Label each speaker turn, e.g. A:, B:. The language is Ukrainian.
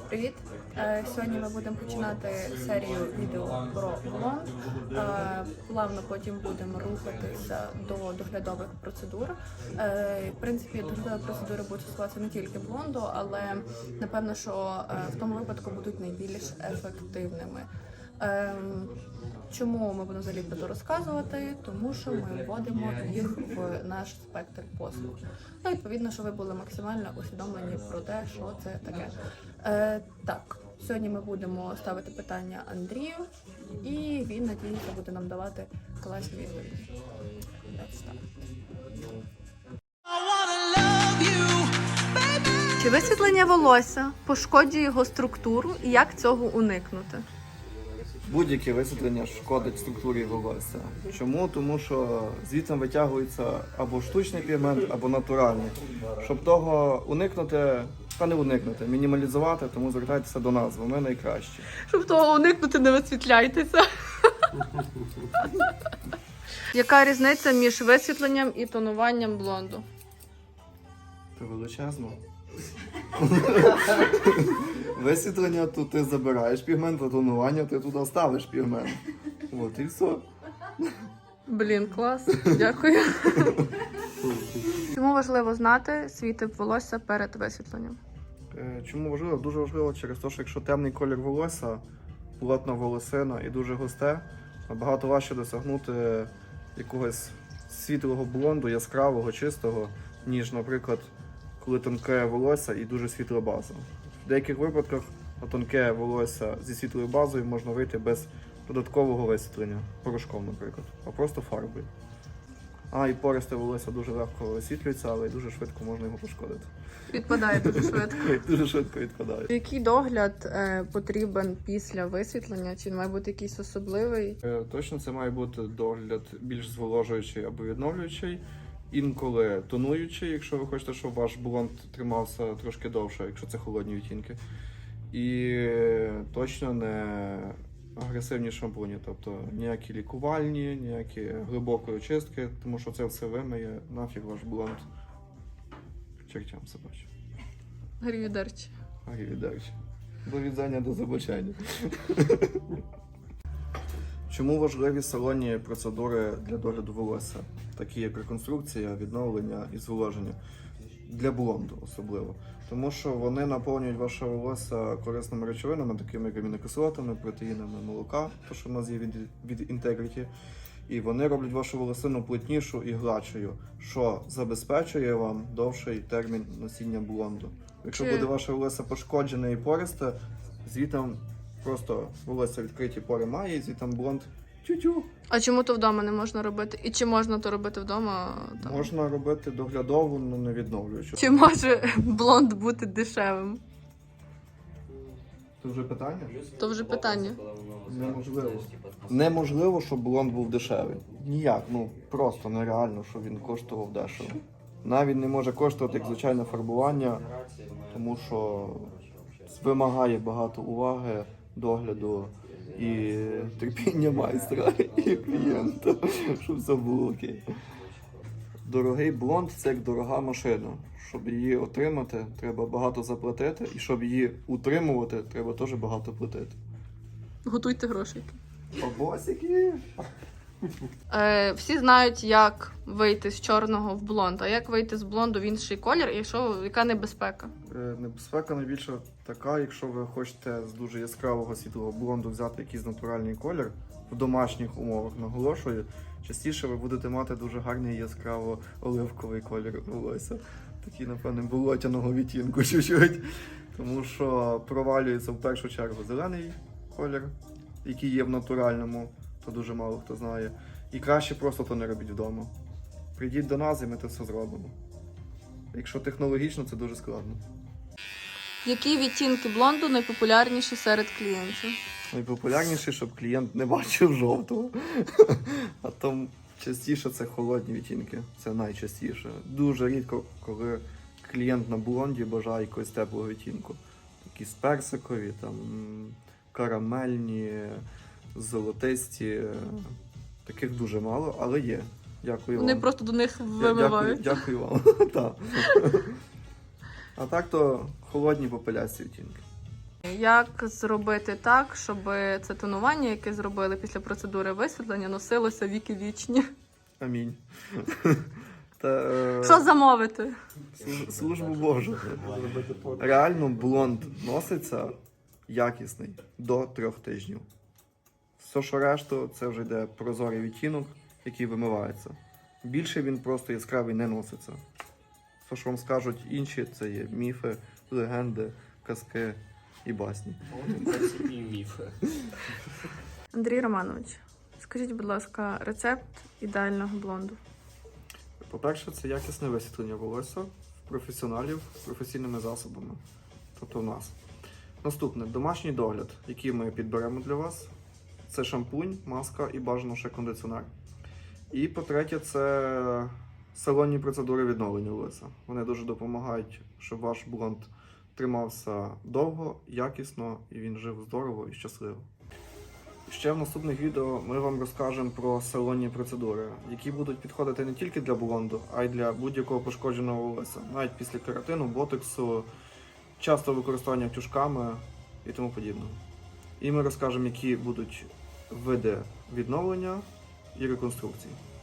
A: Привіт! Сьогодні ми будемо починати серію відео про блонд. Плавно потім будемо рухатися до доглядових процедур. В принципі, доглядові процедури будуть стосуватися не тільки блонду, але напевно, що в тому випадку будуть найбільш ефективними. Чому ми будемо взагалі про це розказувати? Тому що ми вводимо їх в наш спектр послуг. Ну, відповідно, що ви були максимально усвідомлені про те, що це таке. Так, сьогодні ми будемо ставити питання Андрію, і він, надіється, буде нам давати класні відповіді. Чи висвітлення волосся пошкоджує його структуру і як цього уникнути?
B: Будь-яке висвітлення шкодить структурі волосся. Чому? Тому що звідси витягується або штучний пігмент, або натуральний. Щоб того уникнути, не уникнути, мінімалізувати, тому звертайтеся до нас, ми найкращі.
A: Щоб того уникнути, не висвітляйтеся. Яка різниця між висвітленням і тонуванням блонду?
B: Це величезно. Висвітлення, то ти забираєш пігмент, а тонування ти туди ставиш пігмент. От і все.
A: Блін, клас. Дякую. Чому важливо знати свій тип волосся перед висвітленням?
B: Чому важливо? Дуже важливо через те, що якщо темний колір волосся, плотна волосина і дуже густе, набагато важче досягнути якогось світлого блонду, яскравого, чистого, ніж, наприклад, коли тонке волосся і дуже світла база. В деяких випадках на тонке волосся зі світлою базою можна вийти без додаткового висвітлення, порошком, наприклад, а просто фарбою. І пористе волосся дуже легко висвітлюється, але й дуже швидко можна його пошкодити.
A: Відпадає дуже швидко.
B: Дуже швидко відпадає.
A: Який догляд потрібен після висвітлення? Чи має бути якийсь особливий?
B: Точно це має бути догляд більш зволожуючий або відновлюючий. Інколи тонуючий, якщо ви хочете, щоб ваш блонд тримався трошки довше, якщо це холодні відтінки. І точно не агресивні шампуні, тобто ніякі лікувальні, ніякі глибокої очистки, тому що це все вимиє, нафіг ваш блонд к чертям собачим.
A: Гарівідерчі.
B: Гарівідерчі. До відзання, до забачання. Чому важливі салонні процедури для догляду волосся, такі як реконструкція, відновлення і зволоження? Для блонду особливо. Тому що вони наповнюють ваше волосся корисними речовинами, такими як амінокислотами, протеїнами молока, то що в нас є від Integrity. І вони роблять вашу волосину плотнішу і гладшою, що забезпечує вам довший термін носіння блонду. Якщо буде ваше волосся пошкоджене і пористе, звітом просто волосся відкриті пори має, і звітом блонд тю-тю.
A: А чому то вдома не можна робити? І чи можна то робити вдома? Там?
B: Можна робити доглядову, але не відновлюючу.
A: Чи може блонд бути дешевим?
B: Це вже питання?
A: То вже питання.
B: Неможливо. Неможливо, щоб блонд був дешевий. Ніяк, просто нереально, щоб він коштував дешево. Навіть не може коштувати як звичайне фарбування, тому що вимагає багато уваги, догляду і терпіння майстра і клієнта, щоб все було окей. Дорогий блонд – це як дорога машина. Щоб її отримати, треба багато заплатити, і щоб її утримувати, треба теж багато платити.
A: Готуйте грошики.
B: Бабосики!
A: Всі знають, як вийти з чорного в блонд, а як вийти з блонду в інший колір, і яка небезпека?
B: Небезпека найбільше така, якщо ви хочете з дуже яскравого світлого блонду взяти якийсь натуральний колір, в домашніх умовах, наголошую, частіше ви будете мати дуже гарний яскраво-оливковий колір волосся. Такий, напевне, болотяного відтінку чуть-чуть. Тому що провалюється в першу чергу зелений колір, який є в натуральному, то дуже мало хто знає. І краще просто то не робіть вдома. Прийдіть до нас і ми це все зробимо. Якщо технологічно, це дуже складно.
A: Які відтінки блонду найпопулярніші серед клієнтів?
B: Найпопулярніше, щоб клієнт не бачив жовтого. А там частіше це холодні відтінки. Це найчастіше. Дуже рідко, коли клієнт на блонді бажає якогось теплого відтінку. Якісь персикові, карамельні, золотисті. Таких дуже мало, але є. Дякую вам.
A: Вони просто до них вимивають.
B: Дякую вам. А так то холодні попелясті відтінки.
A: Як зробити так, щоб це тонування, яке зробили після процедури висвітлення, носилося віки вічні?
B: Амінь. Та,
A: Що замовити?
B: службу Божу. Реально блонд носиться якісний до 3 тижнів. Все, що решту, це вже йде прозорий відтінок, який вимивається. Більше він просто яскравий не носиться. Все, що вам скажуть інші, це є міфи, легенди, казки і басні.
C: І міфи.
A: Андрій Романович, скажіть, будь ласка, рецепт ідеального блонду.
B: По-перше, це якісне висвітлення волосся в професіоналів професійними засобами. Тобто в нас. Наступне домашній догляд, який ми підберемо для вас. Це шампунь, маска і бажано ще кондиціонер. І по-третє, це салонні процедури відновлення волосся. Вони дуже допомагають, щоб ваш блонд тримався довго, якісно і він жив здорово і щасливо. Ще в наступних відео ми вам розкажемо про салонні процедури, які будуть підходити не тільки для блонду, а й для будь-якого пошкодженого волосся, навіть після кератину, ботоксу, часто використання тюжками і тому подібне. І ми розкажемо, які будуть види відновлення і реконструкції.